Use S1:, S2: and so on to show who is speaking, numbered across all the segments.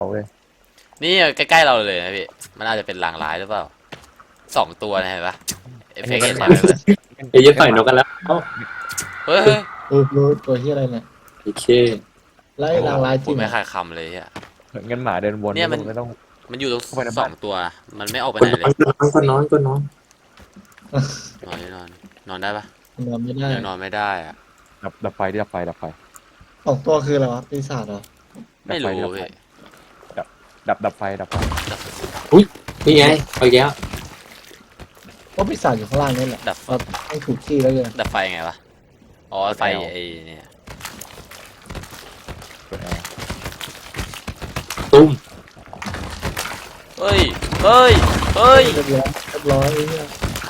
S1: เอาเว้ย
S2: นี่ใกล้ๆเราเลยนะพี่มันอาจจะเป็นลางร้ายหรือเปล่า2 ตัวนะเห็นปะเอฟเฟกต์เห็นไหมเพื่อน
S3: เดี๋ยวจะต่อยนกกันแล้วเอ้า
S2: เฮ้ยเฮ้ย
S4: รู้ตัวที่อะไรเนี่ย
S3: โอเค
S4: ไล่ลางร้ายจ
S2: ผ
S4: ริ
S2: ม
S4: ง
S2: ไม่
S4: อ่ะ
S2: ขาดคำเลยอ่ะ
S1: เงินหมาเดินวน
S2: เนี่ยมัน
S1: ไม่ต้อง
S2: มันอยู่ตรง
S1: เข้าไปในบ้าน
S2: 2 ตัวมันไม่ออกไป
S3: ก็
S2: ไหน
S3: น
S2: เล
S3: อน
S2: ย
S3: ก็นอนก็นอน
S2: นอนได้ปะ
S4: นอนไม่ได้
S2: ยังนอนไม่ได้อะ
S1: ดับไฟดับไฟดับไฟ
S4: สองตัวคืออะไรวะปีศาจเหรอ
S2: ไม่รู้
S1: ดับไฟ
S2: พี่
S1: ดับไฟดับไฟ
S3: นี่ไงเอาอีกแล้ว
S4: ก็ปีศาจอยู่ข้างล่างนี่แหละ
S2: ดับ
S4: เราให้ถูกที่แล้วเลย
S2: ดับไฟไงวะอ๋อไฟไอ้เนี่ย
S1: เปิดแอร์
S3: ตุ้ม
S2: เฮ้ยเฮ้ยเฮ้ย
S4: เรียบร้อยเนี่ย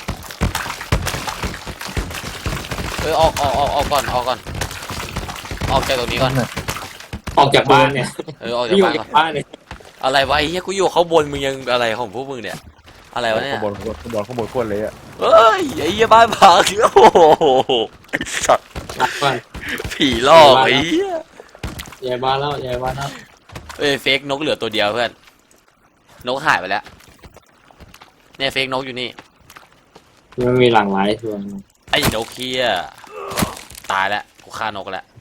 S2: เฮ้ยออกก่อนออกจากตรงนี้ก่อน
S3: ออกจากบ้านเนี่ย
S2: ออกจาก
S3: อยู่
S2: บ้านก่
S3: จา
S2: อน
S3: กบ้านเนี่ย
S2: อะไรวะไอ้เหี้ยกูอยู่ข้างบนมึงยังอะไรของพวกมึงเนี่ยอะไรวะเนี่ย
S1: ข้างบนโคตรเลยอ่ะ
S2: เฮ้ยไอ้เหี้ยบ้านพังโอ้โหไอ้สัตว์
S3: รักบ้าน
S2: ผีหลอกไอ้เหี้ย
S3: ยายบ้านแล้วยายบ้านแล้ว
S2: เอ้ยเฟกนกเหลือตัวเดียวเพื่อนนกหายไปแล้วเนี่ยเฟกนกอยู่นี่
S3: มันมีหลากหลายส่วน
S2: ไอ้นกเฮียตายแล้วกูฆ่านกแล้ว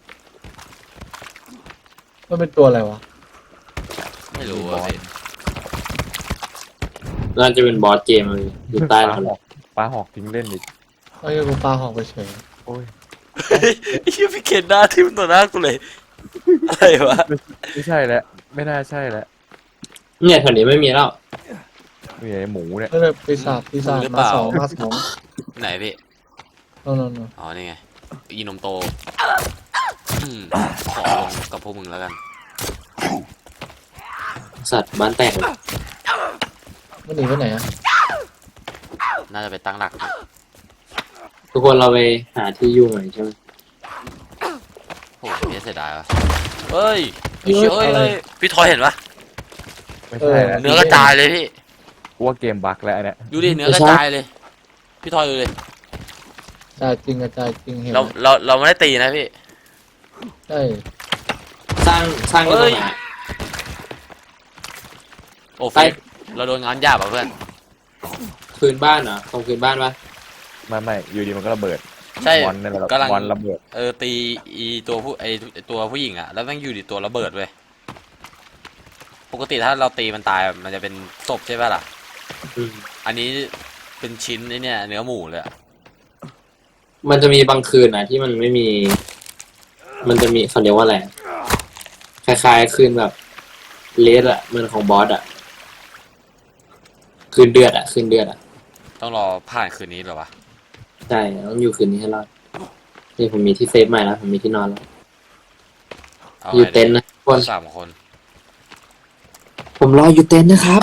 S4: มันเป็นตัวอะไรวะ
S2: ไม่รู้อะพี่
S3: น่าจะเป็นบอสเกมเลยอยู่ใต้
S1: ปลา
S3: แล้ว
S1: หอกปลาหอกทิ้งเล่นอีก
S4: ไอ้ยกูปลาหอกไปเฉย
S1: โอ้ย
S2: ไอ้เหี้ยพี่เคนหน้าทิ่มต่อหน้ากูเลยอะไรวะ
S1: ไม่ใช่แล้วไม่น่าใช่แล้ว
S3: เนี่ยแถวนี้ไม่มีแล้ว
S1: มีไอ้หมูเนี่ย
S4: ไม่เลยปีศาจมาสอง
S2: ไหนพี่
S4: โน่น
S2: อ๋อนี่ไงอีนมโตขอลงกับพวกมึงแล้วกัน
S3: สัตว์บ้านแตกเลย
S4: มันหนีไปไหนอ่ะ
S2: น่าจะไปตั้งหลัก
S3: ทุกคนเราไปหาที่อยู่ใหม่ใช่ไหม
S2: โอ้โหเสียดายวะเฮ้ยไอ้เชี่ยเอ้ยพี่ทอยเห็นปะ
S1: ไม่ใช่แล้ว
S2: เนื้อกระจายเลยพี่
S1: กูว่าเกมบั๊กแล้วอันเนี่ย
S2: ดูดิเนื้อกระจายเลย พี่ทอยดูเลย
S4: จายจริงกระจายจริงเห็น
S2: เราไม่ได้ตีนะพี่
S4: ใช่
S3: สร้างกันตรงไหน
S2: โอ้เฟกเราโดนงานหยาบอ่ะเพื่อน
S3: พื้นบ้านเหรอตรงพื้นบ้านปะ
S1: ไม่อยู่ดีมันก็ระเบิด
S2: ใช่
S1: บอลเนี่ยแหละ
S2: กำลัง
S1: บอลระเบิด
S2: ตีอีตัวตัวผู้หญิงอ่ะแล้วแม่งอยู่ดีตัวระเบิดเว้ยปกติถ้าเราตีมันตายมันจะเป็นศพใช่ป่ะล่ะ
S3: อืม
S2: อันนี้เป็นชิ้นไอ้เนี่ยเนื้อหมูเลยอะ
S3: มันจะมีบางคืนนะที่มันไม่มี มันจะมีเขาเรียกว่าอะไรคล้ายๆคืนแบบเลสอะเหมือนของบอสอะคืนเดือดอะคืนเดือดอะ
S2: ต้องรอผ่านคืนนี้เหรอวะ
S3: ใช่ต้องอยู่คืนนี้ให้รอดนี่ผมมีที่เซฟใหม่แล้วผมมีที่นอนแล้ว
S2: เอา
S3: อยู่
S2: ไง
S3: เต็นท์นะทุกคน
S2: 3 คน
S3: ผมรออยู่เต็นท์นะครับ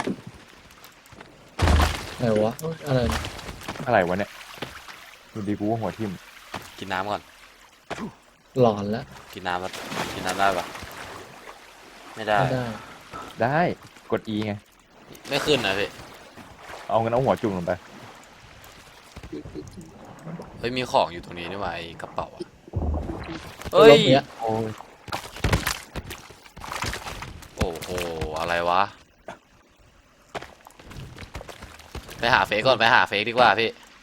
S4: ไหนวะอะไร
S1: อะไรวะเนี่ยดูดีกูว่าหัวทิ่ม
S2: กินน้ำก่อน
S4: หลอนแล้ว
S2: กินน้ำครับกินน้ำได้ปะไม่ได้
S4: ไม่ได้
S1: ได้กด E ไง
S2: ไม่ขึ้นนะพี่
S1: เอางั้นเอาหัวจุ่มลงไป
S2: เฮ้ยมีของอยู่ตรงนี้นี่หว่าไอ้กระเป๋าอะ
S4: เฮ้
S2: เฮ้ย
S4: ย
S1: โอ้ย
S2: โอ้โหอะไรวะไปหาเฟกก่อนไปหาเฟกดีกว่าพี่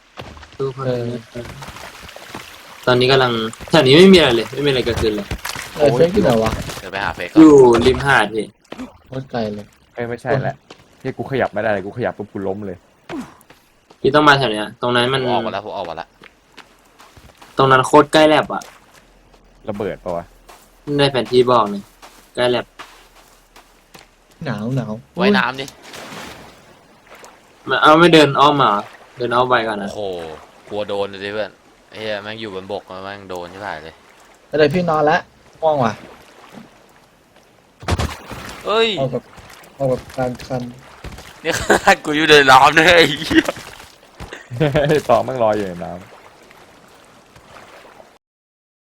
S3: ตอนนี้กำลังแถวนี้ไม่มีอะไรเลย ไม่มีอะไรเกิดขึ้นเลย
S4: ไอ้เฟกที่ไหนวะ
S2: เดี๋ยวไปหาเฟกก่
S3: อ
S2: อน
S3: ยู่ริมหาดพี่
S4: โคตรไกลเลย
S1: ไม่ใช่แหละที่กูขยับไม่ได้เลยกูขยับปุ๊บกูล้มเลย
S3: พี่ต้องมาแถวเนี้ย ตรงนั้นมัน
S2: ผมออกมาแล้วผมออกมาแล้ว
S3: ตรงนั้นโคตรใกล้แลบอะ
S1: ระเบิดปะวะ
S3: ในแผนที่บอกเลยใกล้แลบ
S4: หนาว
S2: ไว้น้ำดิ
S3: มันเอาไม่เดินอ้อมมาเหรอเดินอ้อมไปก่อน
S2: โอ้
S3: นะ
S2: โหกลัวโดนเลยเพื่อนเฮ้ยแม่งอยู่บนบกแม่งโดนใช่ไหมเลย
S4: อะไรพี่นอนแล้วม่วงว่ะ
S2: เฮ้ย
S4: เอาแบบการคัน
S2: นี่ขนาดกูอยู่ในน้ำเลยไอ้เหี้ย
S1: ต่อแม่งลอยอยู่ในน้ำ